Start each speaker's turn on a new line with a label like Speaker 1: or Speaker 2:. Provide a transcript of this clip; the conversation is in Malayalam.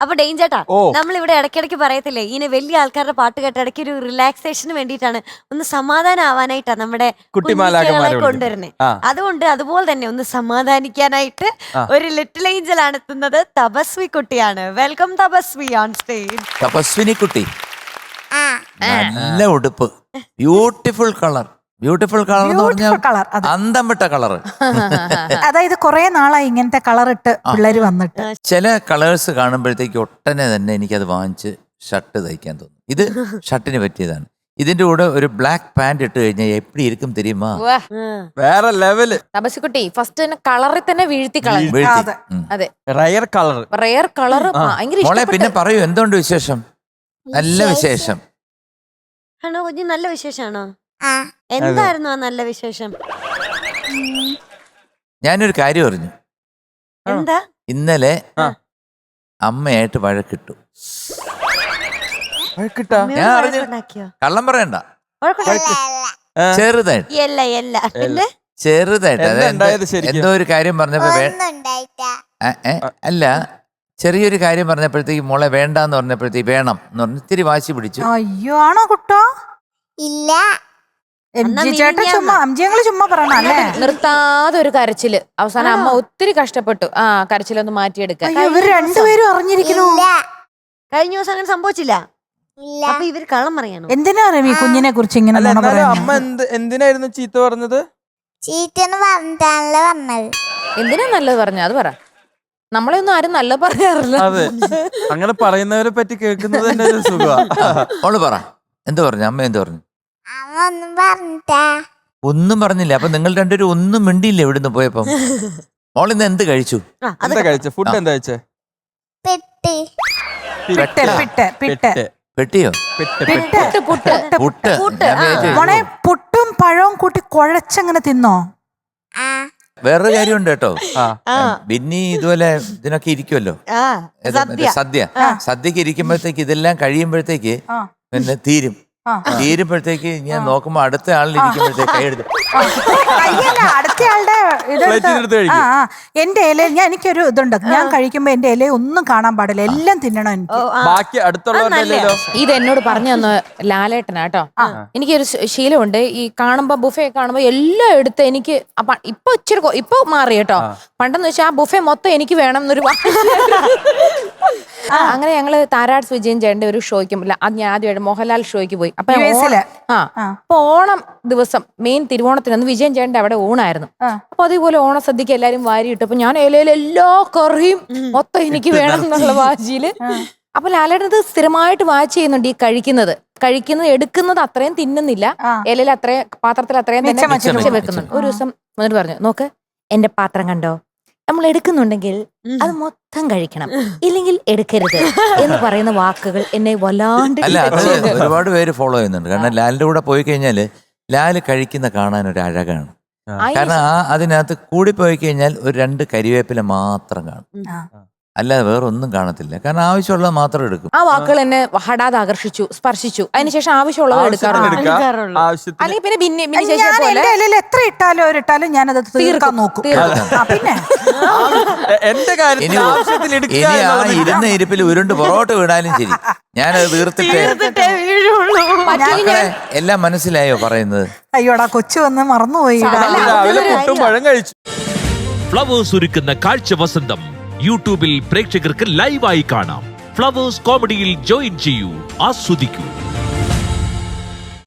Speaker 1: അപ്പൊ ഡെയിഞ്ചേട്ടാ, നമ്മളിവിടെ ഇടയ്ക്കിടയ്ക്ക് പറയത്തില്ലേ ഇങ്ങനെ വലിയ ആൾക്കാരുടെ പാട്ട് കേട്ട ഇടയ്ക്ക് ഒരു റിലാക്സേഷന് വേണ്ടിയിട്ടാണ്, ഒന്ന് സമാധാനം ആവാനായിട്ടാ നമ്മുടെ കുട്ടികളെ കൊണ്ടുവരുന്നത്. അതുകൊണ്ട് അതുപോലെ തന്നെ ഒന്ന് സമാധാനിക്കാനായിട്ട് ഒരു ലിറ്റിൽ ഏഞ്ചൽ ആണ് എത്തുന്നത്. തപസ്വി കുട്ടിയാണ്. Welcome Tapasvi on stage.
Speaker 2: Tapasvini കുട്ടി, നല്ല ഉടുപ്പ്, ബ്യൂട്ടിഫുൾ കളർ. ബ്യൂട്ടിഫുൾ കളർ എന്ന് പറഞ്ഞാൽ അന്തം വിട്ട കളർ.
Speaker 3: അതായത് കുറെ നാളായി ഇങ്ങനത്തെ കളർ ഇട്ട് പിള്ളേര് വന്നിട്ട്.
Speaker 2: ചില കളേഴ്സ് കാണുമ്പോഴത്തേക്ക് ഒട്ടനെ തന്നെ എനിക്കത് വാങ്ങിച്ച് ഷർട്ട് തയ്ക്കാൻ തോന്നും. ഇത് ഷർട്ടിന് പറ്റിയതാണ്. ഇതിന്റെ കൂടെ ഒരു ബ്ലാക്ക് പാന്റ് ഇട്ട് കഴിഞ്ഞാൽ എപ്പടി ഇരിക്കും തെരിയുമാ,
Speaker 4: വേറെ ലെവല്.
Speaker 5: തപസ്സുകുട്ടി ഫസ്റ്റ് തന്നെ കളറിൽ തന്നെ വീഴ്ത്തി കളഞ്ഞു. അതെ,
Speaker 4: റയർ കളർ,
Speaker 5: റയർ കളർ ഭയങ്കര.
Speaker 2: മോളെ പിന്നെ പറയൂ, എന്തുകൊണ്ട് വിശേഷം? നല്ല വിശേഷം
Speaker 1: ആണോ കുഞ്ഞ്? നല്ല വിശേഷമാണോ? എന്തായിരുന്നു ആ നല്ല വിശേഷം?
Speaker 2: ഞാനൊരു കാര്യം അറിഞ്ഞു.
Speaker 1: എന്താ?
Speaker 2: ഇന്നലെ അമ്മയായിട്ട് വഴക്കിട്ടു. ഞാൻ അറിഞ്ഞു. കള്ളം പറയണ്ട, ചെറുതായിട്ട് ചെറുതായിട്ട് എന്തോ ഒരു കാര്യം പറഞ്ഞപ്പോ അല്ല, ചെറിയൊരു കാര്യം പറഞ്ഞപ്പോഴത്തേക്ക് മോളെ വേണ്ടാന്ന് പറഞ്ഞപ്പോഴത്തേക്ക് വേണം എന്ന് പറഞ്ഞ് ഇത്തിരി വാശി പിടിച്ചു.
Speaker 3: അയ്യോ, ആണോ കുട്ടോ?
Speaker 6: ഇല്ല,
Speaker 3: ചേട്ടാ ചുമ്മാ ചുമ്മാ പറയണല്ലേ.
Speaker 5: നിർത്താതെ ഒരു കരച്ചില്. അവസാനം അമ്മ ഒത്തിരി കഷ്ടപ്പെട്ടു ആ കരച്ചിലൊന്ന് മാറ്റിയെടുക്കാൻ.
Speaker 3: ഇവര് രണ്ടുപേരും അറിഞ്ഞിരിക്കുന്നു.
Speaker 1: കഴിഞ്ഞ ദിവസം അങ്ങനെ സംഭവിച്ചില്ല. അപ്പൊ ഇവര് കള്ളം പറയണോ?
Speaker 3: എന്തിനാ റവി കുഞ്ഞിനെ കുറിച്ച് ഇങ്ങനെ
Speaker 4: അമ്മ എന്തിനായിരുന്നു ചീത്ത പറഞ്ഞത്?
Speaker 6: ചീത്തന്ന് പറഞ്ഞാണല്ലോ പറഞ്ഞത്.
Speaker 5: എന്തിനാ നല്ലത് പറഞ്ഞ അത് പറ. നമ്മളെ ഒന്നും ആരും നല്ല പറയാറില്ല.
Speaker 4: അതെ, അങ്ങനെ പറയുന്നവരെ പറ്റി കേൾക്കുന്നത് തന്നെ ഒരു സുഖമാ.
Speaker 2: മോള് പറ, എന്ത് പറഞ്ഞു? അമ്മ എന്ത് പറഞ്ഞു?
Speaker 6: അമ്മ ഒന്നും പറഞ്ഞിട്ടാ?
Speaker 2: ഒന്നും പറഞ്ഞില്ല. അപ്പൊ നിങ്ങൾ രണ്ടുപേരും ഒന്നും മിണ്ടിയില്ല ഇവിടുന്ന് പോയപ്പോ. മോളിന്ന് എന്ത് കഴിച്ചു?
Speaker 4: എന്താ കഴിച്ച? ഫുഡ് എന്താ കഴിച്ചേ?
Speaker 6: പെട്ടി.
Speaker 2: പെട്ടിയോ? പുട്ട്.
Speaker 3: മോളെ പുട്ടും പഴവും കൂട്ടി കുഴച്ചങ്ങനെ തിന്നോ?
Speaker 2: വേറൊരു കാര്യമുണ്ട് കേട്ടോ. ബിന്നി ഇതുപോലെ ഇതിനൊക്കെ ഇരിക്കുമല്ലോ, സദ്യക്ക് ഇരിക്കുമ്പോഴത്തേക്ക് ഇതെല്ലാം കഴിയുമ്പോഴത്തേക്ക് പിന്നെ തീരുമ്പോഴത്തേക്ക് ഞാൻ നോക്കുമ്പോ അടുത്ത ആളിലിരിക്കുമ്പോഴത്തേക്ക് കൈയെടുത്ത്
Speaker 3: അടുത്തയാളുടെ എന്റെ ഇല എനിക്കൊരു ഇതുണ്ട്. ഞാൻ കഴിക്കുമ്പോ എന്റെ ഇല ഒന്നും കാണാൻ പാടില്ല, എല്ലാം തിന്നണം എനിക്ക്.
Speaker 4: ബാക്കി അടുത്തുള്ളവരുടെ
Speaker 5: ഇത് എന്നോട് പറഞ്ഞു തന്ന ലാലേട്ടനാട്ടോ. എനിക്കൊരു ശീലമുണ്ട്, ഈ കാണുമ്പോ ബുഫേ കാണുമ്പോ എല്ലാം എടുത്ത് എനിക്ക് ഇപ്പൊ ഇച്ചിരി ഇപ്പൊ മാറി കേട്ടോ. പണ്ടെന്ന് വെച്ചാൽ ആ ബുഫേ മൊത്തം എനിക്ക് വേണം എന്നൊരു അങ്ങനെ ഞങ്ങള് താരാട്സ് വിജയൻ ചേട്ടന്റെ ഒരു ഷോയ്ക്കും ഞാൻ ആദ്യമായിട്ട് മോഹൻലാൽ ഷോയ്ക്ക് പോയി. അപ്പൊ ഓണം ദിവസം മെയിൻ തിരുവോണത്തിനന്ന് വിജയൻ ചേട്ടന്റെ അവിടെ ഊണായിരുന്നു. അപ്പൊ അതേപോലെ ഓണസദ്യക്ക് എല്ലാരും വാരിയിട്ടു. അപ്പൊ ഞാൻ ഇലയിൽ എല്ലാ കറിയും മൊത്തം എനിക്ക് വേണം എന്നുള്ള വാശിയില്. അപ്പൊ ലാലേട്ടത് സ്ഥിരമായിട്ട് വാച്ച് ചെയ്യുന്നുണ്ട്. ഈ കഴിക്കുന്നത് എടുക്കുന്നത് അത്രയും തിന്നുന്നില്ല, ഇലയിൽ അത്രയും പാത്രത്തിൽ അത്രയും തന്നെ വെക്കുന്നുണ്ട്. ഒരു ദിവസം എന്നിട്ട് പറഞ്ഞു, നോക്ക് എന്റെ പാത്രം കണ്ടോ, നമ്മൾ എടുക്കുന്നുണ്ടെങ്കിൽ അത് മൊത്തം കഴിക്കണം, ഇല്ലെങ്കിൽ എടുക്കരുത് എന്ന് പറയുന്ന വാക്കുകൾ എന്നെ വല്ലാണ്ട്.
Speaker 2: ഒരുപാട് പേര് ഫോളോ ചെയ്യുന്നുണ്ട്. കാരണം ലാലിന്റെ കൂടെ പോയി കഴിഞ്ഞാല് ലാല് കഴിക്കുന്ന കാണാൻ ഒരു അഴകാണ്. കാരണം അതിനകത്ത് കൂടിപ്പോയി കഴിഞ്ഞാൽ ഒരു 2 കരിവേപ്പില മാത്രം കാണും, അല്ലാതെ വേറെ ഒന്നും കാണത്തില്ല. കാരണം ആവശ്യമുള്ളത് മാത്രം എടുക്കും.
Speaker 5: ആ വാക്കുകൾ എന്നെ ഹഠാത് ആകർഷിച്ചു, സ്പർശിച്ചു. അതിനുശേഷം ആവശ്യമുള്ളത് എടുക്കാറുള്ളൂ. അല്ലെങ്കിൽ പിന്നെ
Speaker 3: ഇലയിൽ എത്ര ഇട്ടാലും ഞാനത് തീർക്കാൻ നോക്കും. പിന്നെ
Speaker 2: ഇനി ആ ഇരുന്ന ഇരിപ്പിൽ ഉരുണ്ട് പുറകോട്ട് വീണാലും ശരി, ഞാനത് തീർത്തിട്ടേ എല്ലാം മനസ്സിലായോ പറയുന്നത്?
Speaker 3: അയ്യോടാ, കൊച്ചു വന്ന് മറന്നുപോയി.
Speaker 7: ഫ്ലവേഴ്സ് ഒരുക്കുന്ന കാഴ്ച വസന്തം യൂട്യൂബിൽ പ്രേക്ഷകർക്ക് ലൈവായി കാണാം. ഫ്ലവേഴ്സ് കോമഡിയിൽ ജോയിൻ ചെയ്യൂ, ആസ്വദിക്കൂ.